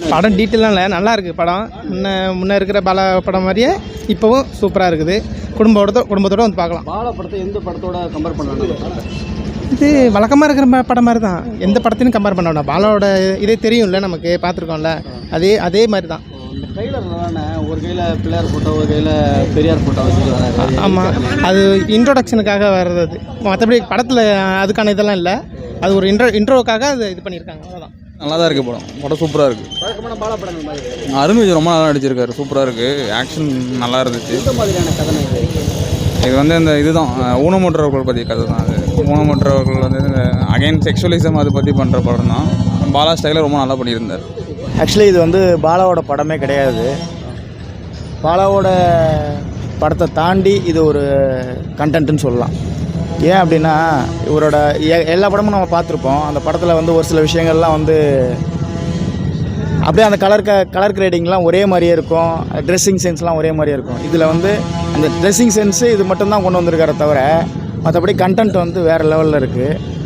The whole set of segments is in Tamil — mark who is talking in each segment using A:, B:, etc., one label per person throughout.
A: படம் டீட்டெயிலாம் இல்லை, நல்லா இருக்குது படம். முன்னே இருக்கிற பாலா படம் மாதிரியே இப்போவும் சூப்பராக இருக்குது. குடும்பத்தோடு வந்து பார்க்கலாம்.
B: பாலா படத்தை எந்த படத்தோட கம்பேர் பண்ணலாம்?
A: இது வழக்கமாக இருக்கிற படம் மாதிரி தான், எந்த படத்தையும் கம்பேர் பண்ண வேண்டாம். பாலாவோட இதே தெரியும்ல, நமக்கு பார்த்துருக்கோம்ல, அதே மாதிரி தான்.
B: இந்த ட்ரெய்லர்ல ஒரு கையில் பிள்ளையார் ஃபோட்டோ, ஒரு கையில் பெரியார் ஃபோட்டோ வச்சுட்டு வராரு.
A: ஆமாம், அது இன்ட்ரோடக்ஷனுக்காக வர்றது. மற்றபடி படத்தில் அதுக்கான இதெல்லாம் இல்லை, அது ஒரு இன்ட்ரோவுக்காக அது இது பண்ணியிருக்காங்க, அவ்வளோதான்.
C: நல்லா தான் இருக்குது படம் சூப்பராக இருக்குது.
B: வழக்கமான பாலா படங்கள் மாதிரி
C: அருண் விஜய் ரொம்ப நல்லா நடிச்சிருக்காரு, சூப்பராக இருக்குது. ஆக்ஷன் நல்லா இருந்துச்சு.
B: இந்த மாதிரியான கதை
C: இது வந்து இந்த இதுதான் ஊனமுற்றவர்கள் பற்றி கதை தான். அது ஊனமுற்றவர்கள் வந்து அகைன் செக்ஷுவலிசம் அதை பற்றி பண்ணுற படம் தான். பாலா ஸ்டைலில் ரொம்ப நல்லா பண்ணியிருந்தார்.
D: ஆக்சுவலி இது வந்து பாலாவோட படமே கிடையாது. பாலாவோட படத்தை தாண்டி இது ஒரு கண்டென்ட்னு சொல்லலாம். ஏன் அப்படின்னா, இவரோட எல்லா படமும் நம்ம பார்த்துருப்போம். அந்த படத்தில் வந்து ஒரு சில விஷயங்கள்லாம் வந்து அப்படியே அந்த கலர் கிரேடிங்லாம் ஒரே மாதிரியே இருக்கும், ட்ரெஸ்ஸிங் சென்ஸ்லாம் ஒரே மாதிரியே இருக்கும். இதில் வந்து அந்த ட்ரெஸ்ஸிங் சென்ஸு இது மட்டும்தான் கொண்டு வந்திருக்கார தவிர மற்றபடி கண்டென்ட் வந்து வேறு லெவலில் இருக்குது.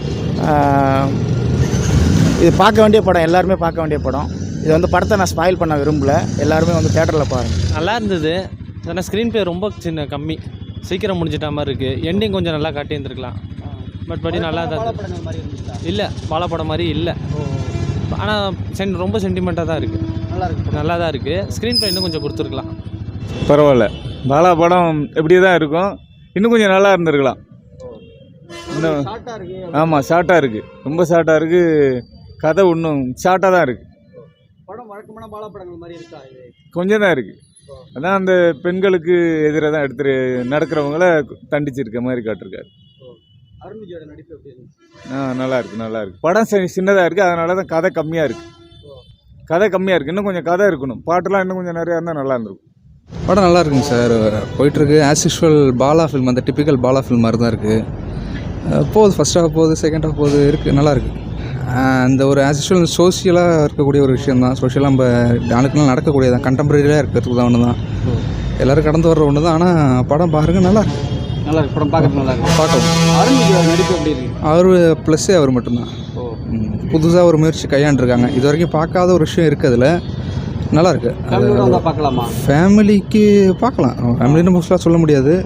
D: இது பார்க்க வேண்டிய படம், எல்லாருமே பார்க்க வேண்டிய படம். இது வந்து படத்தை நான் ஸ்பாயில் பண்ண விரும்பலை, எல்லாருமே வந்து தேட்டரில் பாருங்கள்.
E: நல்லா இருந்தது. ஆனால் ஸ்க்ரீன் ப்ளே ரொம்ப கம்மி, சீக்கிரம் முடிஞ்சிட்ட மாதிரி இருக்குது. எண்டிங் கொஞ்சம் நல்லா காட்டியிருந்துருக்கலாம். பட் நல்லா தான் இல்லை, பாலா படம் மாதிரி இல்லை. ஆனால் ரொம்ப சென்டிமெண்ட்டாக தான் இருக்குது, நல்லா தான் இருக்குது. ஸ்க்ரீன் ப்ளே இன்னும் கொஞ்சம் கொடுத்துருக்கலாம்.
F: பரவாயில்ல, பாலா படம் எப்படி தான் இருக்கும், இன்னும் கொஞ்சம் நல்லா இருந்திருக்கலாம். இன்னும் ஆமாம், ஷார்ட்டாக இருக்குது, ரொம்ப ஷார்ட்டாக இருக்குது. கதை இன்னும் ஷார்ட்டாக தான் இருக்குது.
B: படம் வழக்கமான பாலா படங்கள் மாதிரி இருக்கா?
F: கொஞ்சம் தான் இருக்குது. அதான் அந்த பெண்களுக்கு எதிராக தான் எடுத்து நடக்கிறவங்கள தண்டிச்சிருக்க மாதிரி காட்டிருக்காரு.
B: அருண் விஜயோட நடிப்பு எப்படி இருந்துச்சு?
F: நல்லா இருக்குது. படம் சின்னதாக இருக்குது, அதனால தான் கதை கம்மியாக இருக்குது. இன்னும் கொஞ்சம் கதை இருக்கணும், பாட்டெலாம் இன்னும் கொஞ்சம் நிறையா இருந்தால் நல்லா இருந்திருக்கும்.
G: படம் நல்லா இருக்குங்க சார், போயிட்டுருக்கு. ஆஸ் யூஷுவல் பாலா ஃபில்ம், அந்த டிப்பிக்கல் பாலா ஃபில்ம் மாதிரி தான் இருக்குது. போகுது, ஃபஸ்ட் ஹாஃப் போகுது, செகண்ட் ஹாஃப் போகுது, இருக்குது, நல்லா இருக்குது. அந்த ஒரு ஆஸ் யூஷுவல் சோஷியலாக இருக்கக்கூடிய ஒரு விஷயம் தான். சோஷியலாக நம்ம நாளுக்குலாம் நடக்கக்கூடியதான், கண்டெம்பரரியாக இருக்கிறதுக்கு தான் ஒன்று தான், எல்லோரும் கடந்து வர்ற ஒன்று தான். ஆனால் படம் பாருங்கள், நல்லா இருக்கு.
B: படம் பார்க்கறது நல்லா இருக்கு, பார்க்கலாம். அருண் விஜய் நடிப்பு எப்படி இருக்கு?
G: அவர் ப்ளஸ்ஸே அவர் மட்டும்தான். புதுசாக ஒரு முயற்சி கையாண்டுருக்காங்க, இது வரைக்கும் பார்க்காத ஒரு விஷயம் இருக்குது அதில். நல்லா இருக்கு.
B: பார்க்கலாமா?
G: ஃபேமிலிக்கு பார்க்கலாம், ஃபேமிலின்னு மோஸ்ட்லாக சொல்ல முடியாது.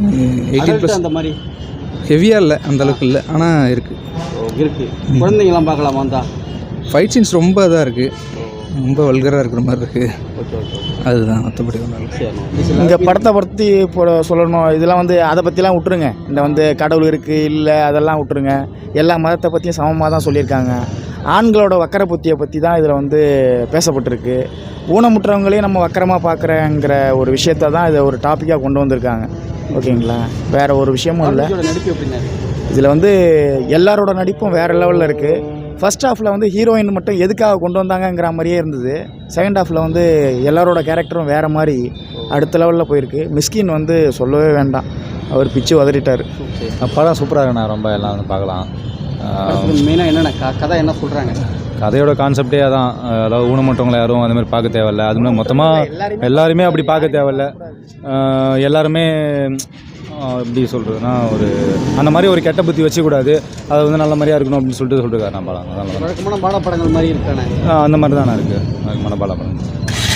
G: 18+
B: அந்த மாதிரி
G: ஹெவியாக இல்லை, அந்த அளவுக்கு இல்லை, ஆனால் இருக்குது.
B: குழந்தைங்களாம் பார்க்கலாமா? தான்
G: ஃபைட் சீன்ஸ் ரொம்ப இதாக இருக்குது, ரொம்ப வல்கராக இருக்கிற மாதிரி இருக்குது. அதுதான், மற்றபடி
D: இந்த படத்தை பற்றி இப்போ சொல்லணும், இதெல்லாம் வந்து அதை பற்றிலாம் விட்டுருங்க. இந்த வந்து கடவுள் இருக்குது இல்லை அதெல்லாம் விட்டுருங்க. எல்லா மதத்தை பற்றியும் சமமாக தான் சொல்லியிருக்காங்க. ஆண்களோட வக்கர புத்தியை பற்றி தான் இதில் வந்து பேசப்பட்டிருக்கு. ஊனமுற்றவங்களையும் நம்ம வக்கரமாக பார்க்குறேங்கிற ஒரு விஷயத்தை தான் இதை ஒரு டாப்பிக்காக கொண்டு வந்திருக்காங்க. ஓகேங்களா, வேறு ஒரு விஷயமும் இல்லை.
B: நடிப்பு எப்படின்னா,
D: இதில் வந்து எல்லாரோட நடிப்பும் வேறு லெவலில் இருக்குது. ஃபர்ஸ்ட் ஹாஃபில் வந்து ஹீரோயின் மட்டும் எதுக்காக கொண்டு வந்தாங்கங்கிற மாதிரியே இருந்தது. செகண்ட் ஹாஃபில் வந்து எல்லாரோட கேரக்டரும் வேறு மாதிரி அடுத்த லெவலில் போயிருக்கு. மிஸ்கின் வந்து சொல்லவே வேண்டாம், அவர் பிச்சு உதறிட்டார்.
H: படம் சூப்பராக இருக்குண்ணா, ரொம்ப எல்லாம் வந்து பார்க்கலாம்.
B: மெயினாக என்னென்ன கதை என்ன சொல்கிறாங்க?
H: கதையோட கான்செப்டே அதான், அதாவது ஊனமுற்றவங்களை யாரும் அந்த மாதிரி பார்க்க தேவையில்ல. அது மாதிரி மொத்தமாக எல்லாருமே அப்படி பார்க்க தேவையில்ல. எல்லாருமே எப்படி சொல்கிறதுனா, ஒரு அந்த மாதிரி ஒரு கெட்ட புத்தி வச்சுக்கூடாது, அது வந்து நல்ல மாதிரியாக இருக்கணும் அப்படின்னு சொல்லிட்டு நான் படம்
B: வழக்கமான பாலா படங்கள் மாதிரி இருக்கானே,
H: அந்த மாதிரி தானே இருக்குது வழக்கமான பாலா படம்.